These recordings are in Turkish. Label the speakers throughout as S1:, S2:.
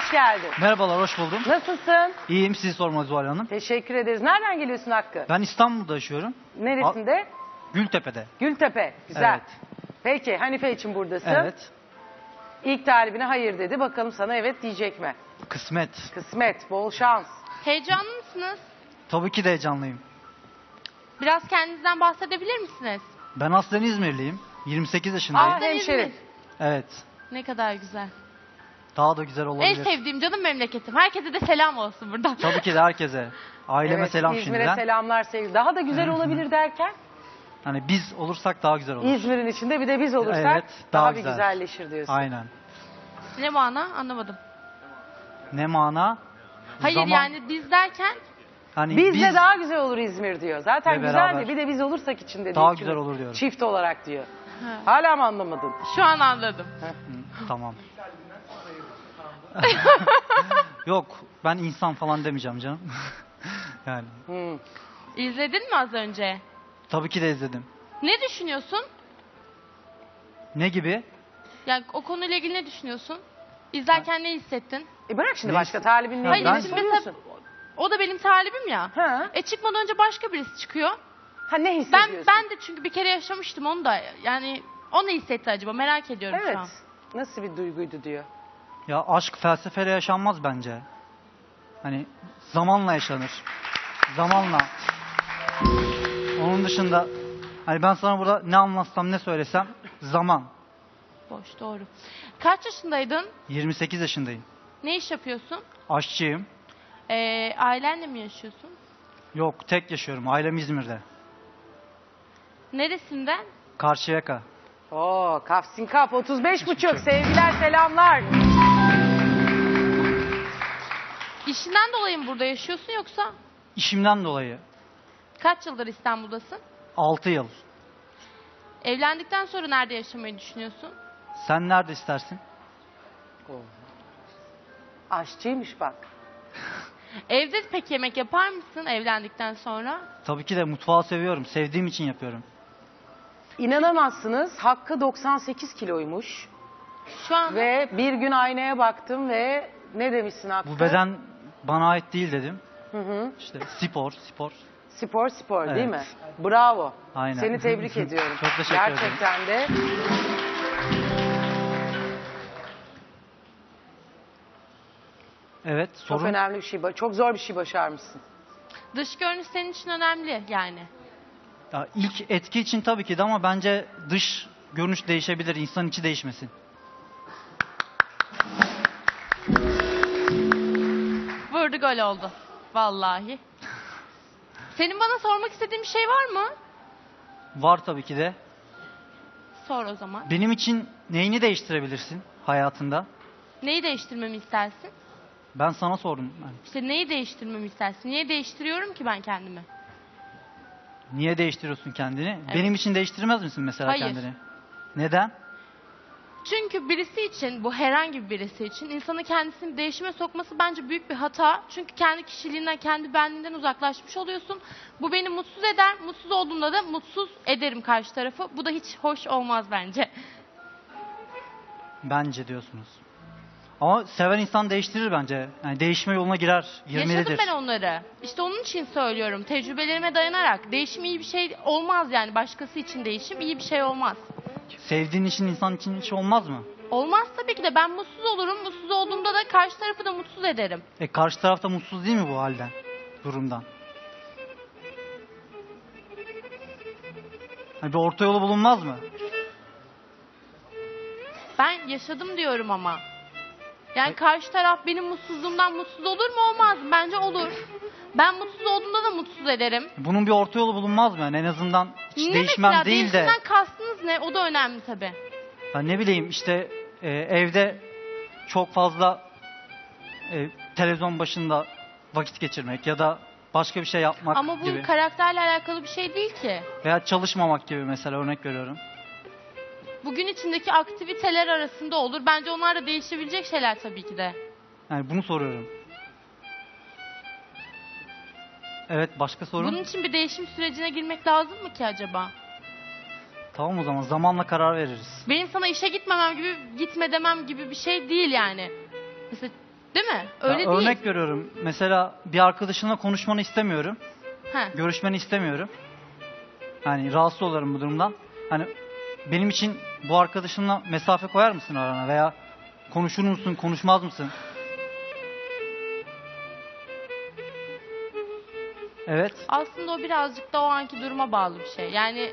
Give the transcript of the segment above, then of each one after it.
S1: hoş geldin.
S2: Merhabalar, hoş buldum.
S1: Nasılsın?
S2: İyiyim, sizi sormalı Zuhal Hanım.
S1: Teşekkür ederiz. Nereden geliyorsun Hakkı?
S2: Ben İstanbul'da yaşıyorum.
S1: Neresinde?
S2: Gültepe'de.
S1: Gültepe. Güzel.
S2: Evet.
S1: Peki Hanife için buradasın.
S2: Evet.
S1: İlk talibine hayır dedi. Bakalım sana evet diyecek mi?
S2: Kısmet.
S1: Kısmet, bol şans.
S3: Heyecanlı mısınız?
S2: Tabii ki de heyecanlıyım.
S3: Biraz kendinizden bahsedebilir misiniz?
S2: Ben aslen İzmirliyim. 28 yaşındayım.
S1: Aa, hemşerim.
S2: Evet.
S3: Ne kadar güzel.
S2: Daha da güzel
S3: En
S2: olabilir.
S3: sevdiğim canım memleketim. Herkese de selam olsun buradan.
S2: Tabii ki de herkese. Aileme
S1: Evet,
S2: selam
S1: İzmir'e
S2: şimdiden.
S1: selamlar sevgili. Daha da güzel olabilir derken
S2: Hani biz olursak daha güzel olur.
S1: İzmir'in içinde bir de biz olursak
S2: Evet,
S1: daha
S2: daha
S1: bir
S2: güzel.
S1: güzelleşir diyorsun.
S2: Aynen.
S3: Ne mana anlamadım.
S2: Ne mana?
S3: Hayır
S2: Zaman-
S3: yani biz derken
S2: Hani
S1: Bizle daha güzel olur İzmir diyor. Zaten
S2: Ve
S1: güzel
S2: beraber.
S1: de bir de biz olursak içinde
S2: Daha
S1: diyor.
S2: güzel olur diyorum.
S1: Çift olarak diyor.
S3: Ha.
S1: Hala mı anlamadın?
S3: şu an anladım.
S2: Hı, tamam. Yok, ben insan falan demeyeceğim canım. Yani
S1: Hmm.
S3: İzledin mi az önce?
S2: tabii ki de izledim.
S3: Ne düşünüyorsun?
S2: Ne gibi?
S3: Yani o konuyla ilgili ne düşünüyorsun? İzlerken ne hissettin?
S1: Bırak şimdi
S2: Ne
S1: başka
S2: ist-
S1: talibinle
S2: Ha,
S1: ilgili
S2: ben-
S1: ne
S3: şimdi
S1: soruyorsun?
S3: O da benim talibim ya.
S1: Ha.
S3: Çıkmadan önce başka birisi çıkıyor.
S1: Ha ne
S3: Ben
S1: hissediyorsun?
S3: ben de çünkü bir kere yaşamıştım onu da. Yani o ne hissetti acaba? Merak ediyorum
S1: Evet.
S3: şu an.
S1: Nasıl bir duyguydu diyor.
S2: Ya aşk felsefeyle yaşanmaz bence. Hani zamanla yaşanır. Zamanla. Onun dışında hani ben sana burada ne anlatsam ne söylesem zaman.
S3: Boş doğru. Kaç yaşındaydın?
S2: 28 yaşındayım.
S3: Ne iş yapıyorsun?
S2: Aşçıyım.
S3: Ailenle mi yaşıyorsun?
S2: Yok, tek yaşıyorum. Ailem İzmir'de.
S3: Neresinden?
S2: Karşıyaka.
S1: Oo, Kafsin Kap 35,5 sevgiler selamlar.
S3: İşinden dolayı mı burada yaşıyorsun yoksa
S2: İşimden dolayı
S3: kaç yıldır İstanbul'dasın?
S2: 6 yıl.
S3: Evlendikten sonra nerede yaşamayı düşünüyorsun?
S2: Sen nerede istersin?
S1: Aşçıymış bak.
S3: Evde pek yemek yapar mısın evlendikten sonra?
S2: Tabii ki de mutfağı seviyorum. Sevdiğim için yapıyorum.
S1: İnanamazsınız Hakkı 98 kiloymuş.
S3: Şu an
S1: Ve bir gün aynaya baktım ve ne demişsin Hakkı?
S2: Bu beden bana ait değil dedim.
S1: Hı hı.
S2: İşte spor.
S1: Spor değil mi?
S2: Evet.
S1: Bravo.
S2: Aynen.
S1: Seni tebrik ediyorum.
S2: Çok teşekkür ederim.
S1: Gerçekten de.
S2: Evet,
S1: Çok
S2: sorun.
S1: önemli bir şey. Çok zor bir şey başarmışsın.
S3: dış görünüş senin için önemli yani.
S2: Ya ilk etki için tabii ki de ama bence dış görünüş değişebilir. İnsan içi değişmesin.
S3: Vurdu gol oldu. Vallahi. Senin bana sormak istediğin bir şey var mı?
S2: Var tabii ki de.
S3: Sor o zaman.
S2: Benim için neyini değiştirebilirsin hayatında?
S3: Neyi değiştirmemi istersin?
S2: Ben sana sordum. Yani
S3: İşte neyi değiştirmemi istersin? Niye değiştiriyorum ki ben kendimi?
S2: niye değiştiriyorsun kendini?
S3: Evet.
S2: Benim için değiştirmez misin mesela
S3: Hayır.
S2: kendini? Neden?
S3: Çünkü birisi için, bu herhangi birisi için insanı kendisini değişime sokması bence büyük bir hata. Çünkü kendi kişiliğinden, kendi benliğinden uzaklaşmış oluyorsun. Bu beni mutsuz eder. Mutsuz olduğumda da mutsuz ederim karşı tarafı. Bu da hiç hoş olmaz bence.
S2: Bence diyorsunuz. Ama seven insan değiştirir bence. Yani değişme yoluna girer.
S3: Yaşadım
S2: Girmelidir.
S3: ben onları. İşte onun için söylüyorum. Tecrübelerime dayanarak. Değişim iyi bir şey olmaz yani. Başkası için değişim iyi bir şey olmaz.
S2: Sevdiğin için insan için hiç olmaz mı?
S3: Olmaz tabii ki de. Ben mutsuz olurum. Mutsuz olduğumda da karşı tarafı da mutsuz ederim.
S2: Karşı tarafta mutsuz değil mi bu halden? Durumdan. Hani bir orta yolu bulunmaz mı?
S3: Ben yaşadım diyorum ama. Yani karşı taraf benim mutsuzluğumdan mutsuz olur mu? Olmaz. Bence olur. Ben mutsuz olduğumda da mutsuz ederim.
S2: Bunun bir orta yolu bulunmaz mı? Yani en azından hiç
S3: Ne
S2: değişmem
S3: mesela?
S2: değil de.
S3: Değişimden kastınız ne? O da önemli tabii.
S2: Ben ne bileyim işte evde çok fazla televizyon başında vakit geçirmek ya da başka bir şey yapmak
S3: Ama bu
S2: gibi.
S3: karakterle alakalı bir şey değil ki.
S2: Veya çalışmamak gibi mesela örnek veriyorum.
S3: Bugün içindeki aktiviteler arasında olur. Bence onlar da değişebilecek şeyler tabii ki de.
S2: Yani bunu soruyorum. Evet, başka sorun?
S3: Bunun için bir değişim sürecine girmek lazım mı ki acaba?
S2: Tamam, o zaman zamanla karar veririz.
S3: Benim sana işe gitmemem gibi, gitme demem gibi bir şey değil yani. Mesela Değil mi?
S2: Ya
S3: Öyle değil.
S2: örnek veriyorum. Mesela bir arkadaşınla konuşmanı istemiyorum.
S3: Heh.
S2: Görüşmeni istemiyorum. Hani rahatsız olurum bu durumdan. Hani benim için bu arkadaşınla mesafe koyar mısın arana veya konuşur musun, konuşmaz mısın? Evet.
S3: Aslında o birazcık da o anki duruma bağlı bir şey. Yani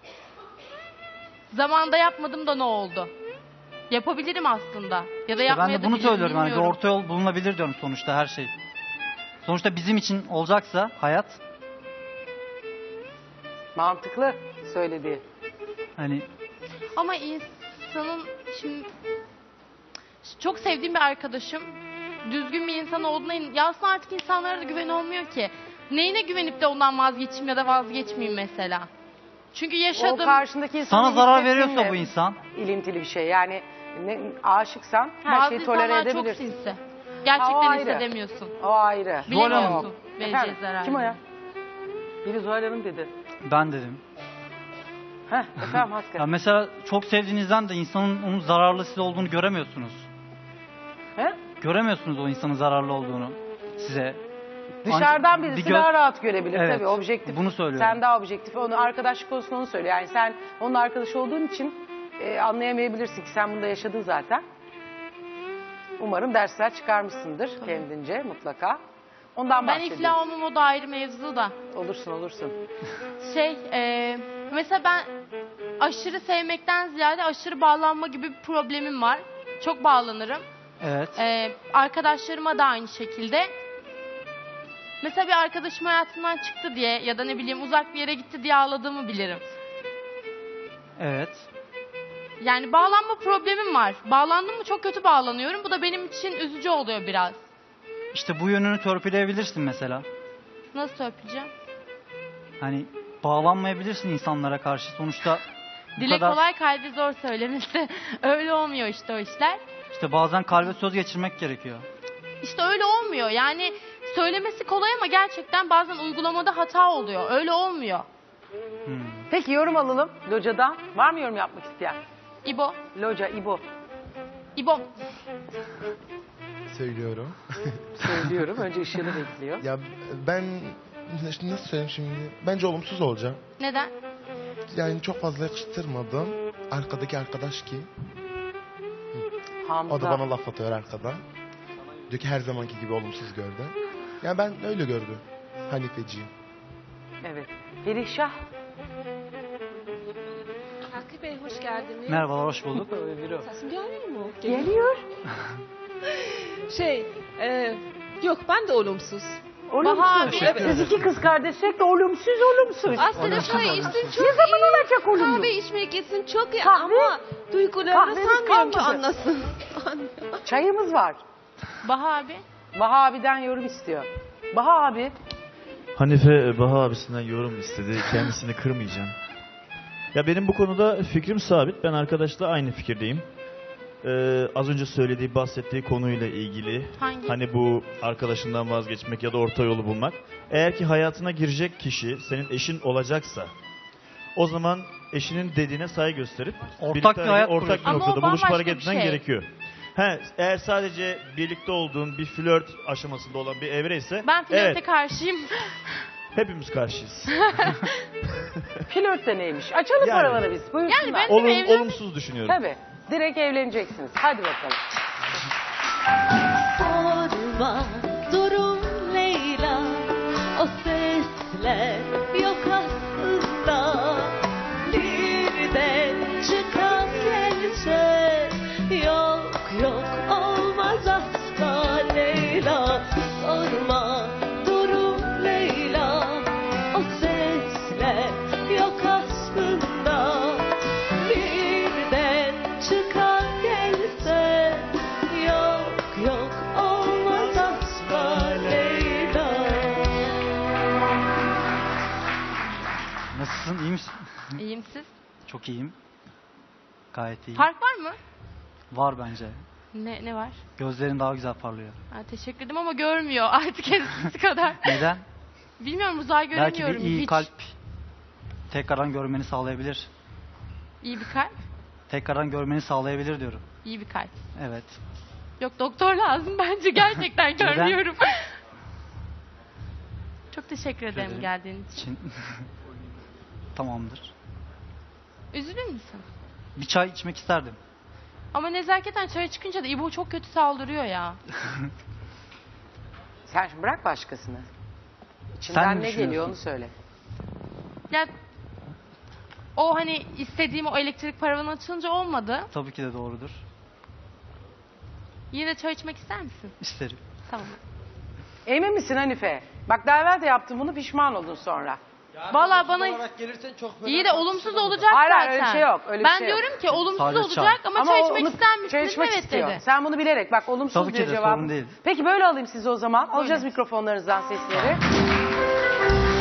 S3: zamanda yapmadım da ne oldu? Yapabilirim aslında. Ya da
S2: İşte ben
S3: yapmaya
S2: de
S3: da
S2: bunu
S3: bilirim,
S2: söylüyorum. Hani bir
S3: bilmiyorum.
S2: orta yol bulunabilir diyorum sonuçta her şey. Sonuçta bizim için olacaksa hayat,
S1: Mantıklı söylediği.
S2: hani
S3: Ama insanın şimdi çok sevdiğim bir arkadaşım düzgün bir insan olduğuna ya aslında artık insanlara da güven olmuyor ki. Neyine güvenip de ondan vazgeçeyim ya da vazgeçmeyeyim mesela. Çünkü
S1: O
S3: yaşadım.
S1: karşındaki insanın
S2: sana zarar
S1: hissettiğinle
S2: veriyorsa bu insan,
S1: ilintili bir şey. Yani aşıksan her
S3: Bazı
S1: şeyi tolere
S3: insanlar çok
S1: edebilirsin.
S3: sinsi.
S1: Ha, o
S3: Gerçekten
S1: ayrı.
S3: hissedemiyorsun.
S1: O ayrı.
S3: Bilemiyorsun vereceği
S1: Efendim,
S3: zararı.
S1: kim o ya? Biri Zuhal Hanım dedi.
S2: ben dedim.
S1: Heh, efendim Hakkı.
S2: Ya mesela çok sevdiğinizden de insanın onun zararlı size olduğunu göremiyorsunuz.
S1: He?
S2: Göremiyorsunuz o insanın zararlı olduğunu size.
S1: Dışarıdan
S2: Bir
S1: birisi
S2: göz-
S1: daha rahat görebilir
S2: Evet,
S1: tabii. Objektif.
S2: bunu söylüyorum.
S1: Sen daha objektif. Onu arkadaşlık konusunda onu söylüyor. Yani sen onun arkadaşı olduğun için anlayamayabilirsin ki sen bunda yaşadın zaten. Umarım dersler çıkarmışsındır kendince mutlaka. Ondan
S3: Ben
S1: bahsediyorum.
S3: iflah olmam o da ayrı mevzu da.
S1: Olursun olursun.
S3: Mesela ben aşırı sevmekten ziyade aşırı bağlanma gibi bir problemim var. Çok bağlanırım.
S2: Evet.
S3: Arkadaşlarıma da aynı şekilde. Mesela bir arkadaşım hayatımdan çıktı diye ya da ne bileyim uzak bir yere gitti diye ağladığımı bilirim.
S2: Evet.
S3: Yani bağlanma problemim var. Bağlandım mı çok kötü bağlanıyorum. Bu da benim için üzücü oluyor biraz.
S2: İşte bu yönünü törpüleyebilirsin mesela.
S3: Nasıl öpeceğim?
S2: Hani bağlanmayabilirsin insanlara karşı. Sonuçta bu
S3: Dile
S2: kadar
S3: kolay kalbi zor söylemesi. Öyle olmuyor işte o işler.
S2: işte bazen kalbe söz geçirmek gerekiyor.
S3: İşte öyle olmuyor. Yani söylemesi kolay ama gerçekten bazen uygulamada hata oluyor. Öyle olmuyor.
S1: Peki yorum alalım Loca'dan. Var mı yorum yapmak isteyen?
S3: İbo.
S1: Loca, İbo.
S3: İbo.
S4: Söylüyorum.
S1: Söylüyorum. Önce ışığını bekliyor.
S4: Ya ben nasıl söyleyeyim şimdi? Bence olumsuz olacağım.
S3: Neden?
S4: Yani çok fazla yakıştırmadım. Arkadaki arkadaş kim?
S1: Hamza.
S4: O da bana laf atıyor arkadan. Diyor ki her zamanki gibi olumsuz gördü. Yani ben öyle gördüm. Hanifeciğim.
S1: Evet. Perişah.
S5: Hakkı Bey hoş geldiniz.
S2: Merhabalar, hoş bulduk.
S5: Sesim gelmiyor mu?
S1: Geliyor.
S5: Yok ben de olumsuz.
S1: Olumsuz.
S3: Bahar,
S2: Teşekkür
S1: Siz iki kız kardeş sürekli olumsuz olumsuz.
S5: Aslında çay içtim çok
S1: Ne zaman
S5: iyi.
S1: olacak olumlu?
S5: Kahve içmek için çok iyi
S1: Kahve?
S5: ama duygularını
S1: Kahvemiz
S5: sanmıyorum ki
S1: kalmadı.
S5: anlasın.
S1: Çayımız var.
S3: Baha abi.
S1: Baha abiden yorum istiyor. Baha abi.
S6: Hanife Baha abisinden yorum istedi. Kendisini kırmayacağım. Ya benim bu konuda fikrim sabit. Ben arkadaşla aynı fikirdeyim. Az önce söylediği, bahsettiği konuyla ilgili.
S3: Hangi?
S6: Hani bu arkadaşından vazgeçmek ya da orta yolu bulmak. Eğer ki hayatına girecek kişi senin eşin olacaksa o zaman eşinin dediğine saygı gösterip
S2: Ortak
S6: birlikte
S2: bir hayat
S6: ortak bir
S3: kuruyorsun. Ama o
S6: noktada buluşup
S3: bambaşka
S6: hareket
S3: bir
S6: etmen
S3: şey.
S6: gerekiyor. Eğer sadece birlikte olduğun bir flört aşamasında olan bir evre ise
S3: Ben flörte
S6: evet,
S3: karşıyım.
S6: hepimiz karşıyız.
S1: Flört de neymiş? Açalım
S6: Yani.
S1: paraları biz. Buyursunlar.
S3: Yani ben- evlenmek-
S6: Olumsuz düşünüyorum.
S1: Tabii. Direkt evleneceksiniz. Hadi bakalım.
S7: Sorma durum Leyla, o sesler yok aslında. Birden çıkan gelse yok yok olmaz asla Leyla. Sorma durum Leyla, o sesler yok aslında. Birden çıkan gelse yok yok olmaz asla Leyla.
S2: Nasılsın, iyi misin?
S3: İyiyim siz.
S2: Çok iyiyim. Gayet iyiyim.
S3: Fark var mı?
S2: Var bence.
S3: Ne var?
S2: Gözlerin daha güzel parlıyor.
S3: Ha, teşekkür ederim ama görmüyor artık eskisi kadar.
S2: Neden?
S3: Bilmiyorum uzay
S2: Belki
S3: göremiyorum
S2: bir iyi
S3: hiç.
S2: kalp tekrardan görmeni sağlayabilir.
S3: İyi bir kalp.
S2: Tekrardan görmeni sağlayabilir diyorum.
S3: İyi bir kalp.
S2: Evet.
S3: Yok doktor lazım bence gerçekten
S2: Neden?
S3: görmüyorum. Çok teşekkür ederim
S2: ederim.
S3: geldiğin için.
S2: için tamamdır.
S3: Üzülür müsün?
S2: Bir çay içmek isterdim.
S3: Ama nezaketen çaya çıkınca da İbo çok kötü saldırıyor ya.
S1: Sen şimdi bırak başkasını. İçinden
S2: Sen mi
S1: ne
S2: düşünüyorsun?
S1: geliyor onu söyle.
S3: Ya o hani istediğim o elektrik paravanı açılınca olmadı.
S2: Tabii ki de doğrudur.
S3: Yine de çay içmek ister misin?
S2: İsterim.
S3: Tamam.
S1: Emin misin Hanife? Bak daha evvel de yaptın bunu, pişman oldun sonra.
S3: Vallahi bana iyi de olumsuz olacak
S1: Hayır,
S3: zaten.
S1: hayır, öyle bir şey yok, öyle bir
S3: ben
S1: şey yok.
S3: diyorum ki olumsuz
S2: Sadece
S3: olacak
S2: çay.
S3: ama çay içmek
S1: onu-
S3: ister misiniz?
S1: çay içmek
S3: Evet
S1: istiyor.
S3: dedi.
S1: Sen bunu bilerek bak olumsuz
S2: Tabii ki
S1: diyor
S2: de,
S1: cevabı.
S2: sorun değil.
S1: Peki böyle alayım sizi o zaman. Alacağız mikrofonlarınızdan sesleri.